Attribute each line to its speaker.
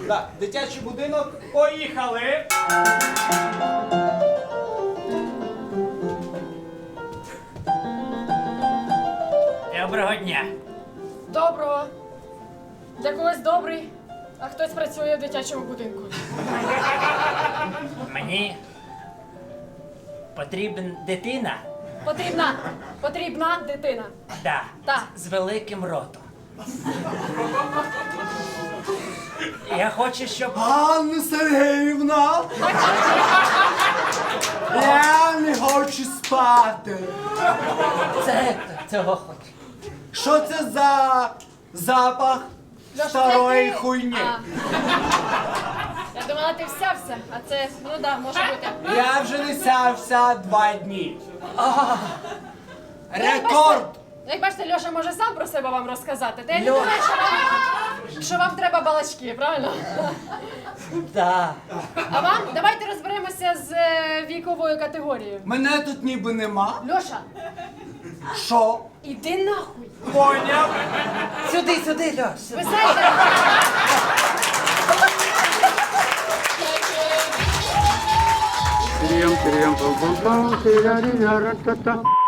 Speaker 1: Так, дитячий будинок, поїхали!
Speaker 2: Доброго дня.
Speaker 3: Доброго. Для когось добрий, а хтось працює в дитячому будинку.
Speaker 2: Мені потрібна дитина.
Speaker 3: Потрібна дитина.
Speaker 2: Да.
Speaker 3: Так.
Speaker 2: З великим ротом. Я хочу, щоб...
Speaker 1: Анна Сергіївна! Я не хочу спати.
Speaker 2: Це цього хочу.
Speaker 1: Що це за запах
Speaker 3: Льоша,
Speaker 1: старої
Speaker 3: це ти?
Speaker 1: хуйні?
Speaker 3: А. Я думала, ти всявся, а це, ну да, може бути.
Speaker 1: Я вже не сявся 2 дні. Рекорд!
Speaker 3: Як бачите, Льоша може сам про себе вам розказати. Та я не
Speaker 2: Льоша.
Speaker 3: думаю, що вам треба балачки, правильно?
Speaker 2: Да.
Speaker 3: А вам давайте розберемося з віковою категорією.
Speaker 1: Мене тут ніби нема.
Speaker 3: Льоша,
Speaker 1: Що?
Speaker 3: іди нахуй.
Speaker 1: Поняв?
Speaker 2: Сюди, Льош.
Speaker 3: Ви знаєте,
Speaker 4: Tiriam, tiriam, pam, pam, pam, tirarirara, ta, ta.